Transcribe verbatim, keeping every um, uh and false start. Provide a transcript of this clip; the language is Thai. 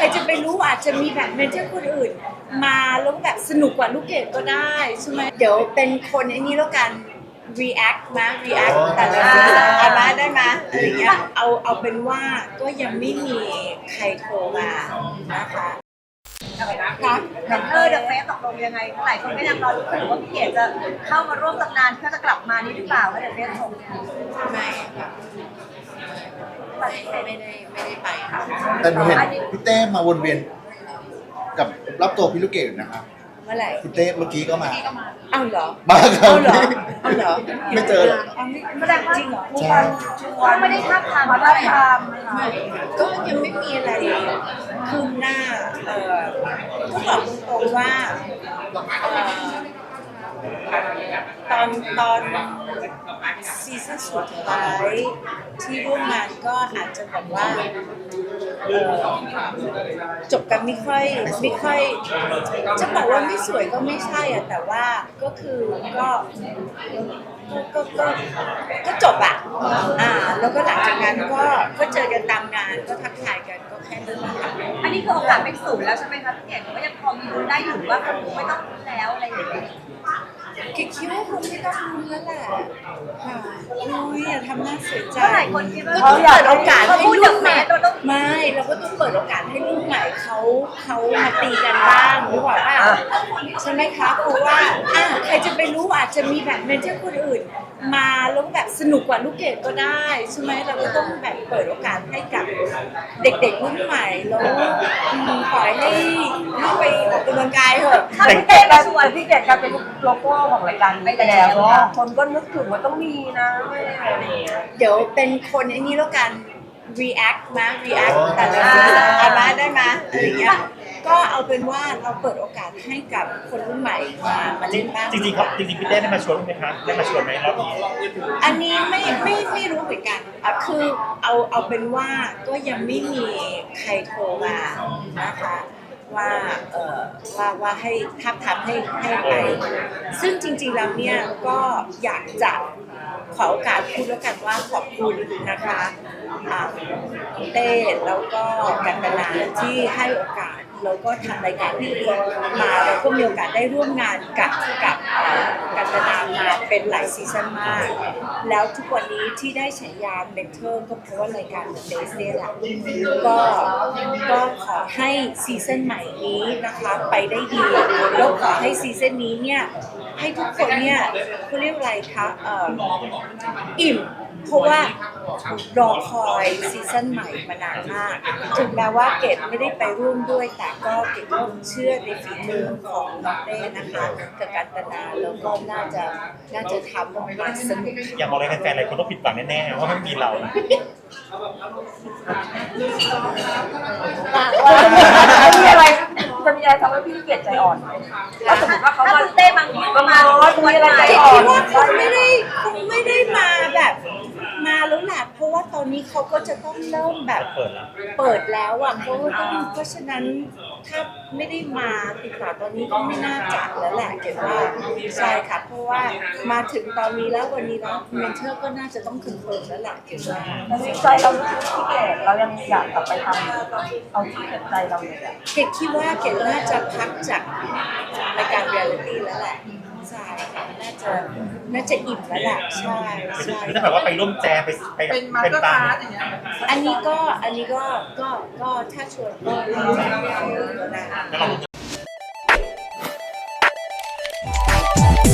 จะไปรู้อาจจะมีแบบเมนเทอร์คนอื่นมาแล้วแบบสนุกกว่าลูกเกดก็ได้ใช่ไหมเดี๋ยวเป็นคนไอ้นี้แล้วกัน react มา react แต่ละซีซั่นเอามาได้ไหมอะไรเงี้ยเอาเอาเป็นว่าก็ยังไม่มีใครโทรมานะคะค่ะเออเดอะเฟสตกลงยังไงหลายคนก็ยังรอรู้กันว่าพี่เกดจะเข้ามาร่วมตำนานเพื่อจะกลับมานี้หรือเปล่าว่าเดอะเฟสส่งไม่ค่ะไม่ไม่ได้ไม่ได้ไปค่ะแต่หนูเห็นพี่เต้มาวนเวียนกับรับตัวพี่ลูกเกดนะคะเมื่อไหร่พี่เต้เมื่อกี้ก็มาอ้าวเหรอมาครัเอาบเหรอเอาเหรอไม่เจอหรอแสดงว่าจริงเหรอมีการชวนไม่ได้ทับทามมาทับทามก็ยังไม่มีอะไรคืบหน้าเอ่อก็บอกตรงๆว่าเอ่อตอนตอนซีซั่นสุดท้ายที่ร่วมงานก็อาจจะแบบว่าเอ่อจบกันไม่ค่อยไม่ค่อยจะบอกว่าไม่สวยก็ไม่ใช่อะแต่ว่าก็คือก็ก็ก็ก็จบอะอ่าแล้วก็หลังจากนั้นก็ก็เจอกันตามงานก็ทักทายกันก็แค่นั้นแหละค่ะอันนี้คือโอกาสเป็นศูนย์แล้วใช่ไหมคะพี่เกดก็ยังพอมีลุ้นได้อยู่ว่าคนไม่ต้องลุ้นแล้วอะไรอย่างเงี้ยเกดคิดว่าคงไม่ต้องลุ้นแล้วแหละค่ะอุ้ยอย่าทำหน้าเสียใจก็หลายคนคิดว่าก็ต้องเปิดโอกาสให้ลูกใหม่เราต้องไม่เราก็ต้องเปิดโอกาสให้ลูกใหม่เขาเขามาตีกันบ้างหรือว่าใช่ไหมคะเพราะว่าอ่ะใครจะไปรู้อาจจะมีแบบเมนเทอร์คนอื่นมาแล้วแบบสนุกกว่าลูกเกดก็ได้ใช่ไหมเราก็ต้องแบบเปิดโอกาสให้กับเด็กๆรุ่นใหม่แล้วปล่อยให้ให้ไปออกกำลังกายเถอะถ้าพี่เกดมาชวนพี่เกดกลายเป็นโลโก้ของรายการไปแล้วเนาะคนก็นึกถึงว่าต้องมีนะอะไรอย่างเงี้ยเดี๋ยวเป็นคนไอ้นี้แล้วกัน react มา react แต่ละซีซั่นเอามาได้ไหมอะไรเงี้ยก็เอาเป็นว่าเราเปิดโอกาสให้กับคนรุ่นใหม่มามาเล่นบ้างจริงๆครับจริงๆพี่เต้ได้มาชวนไหมคะได้มาชวนไหมรอบนี้อันนี้ไม่ไม่ไม่รู้เหมือนกันอ่ะคือเอาเอาเป็นว่าก็ยังไม่มีใครโทรมานะคะว่าเอ่อว่าว่าให้ทับทำให้ให้ไปซึ่งจริงๆแล้วเนี่ยก็อยากจะขอโอกาสพูดแล้วกันว่าขอบคุณนะคะเต้แล้วก็กันตนาที่ให้โอกาสแล้วก็ทำรายการนี้มาเราก็มีโอกาสได้ร่วมงานกับกับกันตนามาเป็นหลายซีซั่นมากแล้วทุกวันนี้ที่ได้ฉายาเมนเทอร์ก็เพราะว่ารายการเบสเนี่ยแหละก็ก็ขอให้ซีซั่นใหม่นี้นะคะไปได้ดีแล้วขอให้ซีซั่นนี้เนี่ยให้ทุกคนเนี่ยเขาเรียกอะไรคะเอ่ออิ่มเพราะว่ารอคอยซีซั่นใหม่มานานมากถึงแม้ว่าเกดไม่ได้ไปร่วมด้วยแต่ก็เกดก็เชื่อในฝีมือของน้องเต้นะคะกับกันตนาแล้วก็น่าจะน่าจะทำออกมาสนุกอยากบอกอะไรแฟนๆอะไรคนต้องผิดหวังแน่ๆว่าไม่มีเราจะมีอะไรจะมีอะไรทำให้พี่เกดใจอ่อนถ้าสมมติว่าเขามาเต้บางทีก็มามีอะไรใจอ่อนคิดว่าคงไม่ได้คงไม่ได้มาแบบมาแล้วแหละเพราะว่าตอนนี้เขาก็จะต้องเริ่มแบบเปิดแล้วเปิดแล้วอ่ะเพราะว่าเพราะฉะนั้นถ้าไม่ได้มาติดต่อตอนนี้ก็ไม่น่าจัดแล้วแหละเกดว่าใช่ค่ะเพราะว่ามาถึงตอนนี้แล้ววันนี้แล้วเมนเทอร์ก็น่าจะต้องคึงเคิร์แล้วแหละเกดว่าใจเราพี่เกดเรายังอยากกลับไปทำเอาที่เกิดใจเราเลยอะเกดคิดว่าเกดน่าจะพักจากรายการเรียลลิตี้แล้วแหละใช่น่าจะน่าจะอิ่มแล้วแหละใช่ใช่ไม่ได้แบบว่าไปร่วมแจมไปไปเป็นตามอันนี้ก็อันนี้ก็ก็ก็ถ้าชวนก็ได้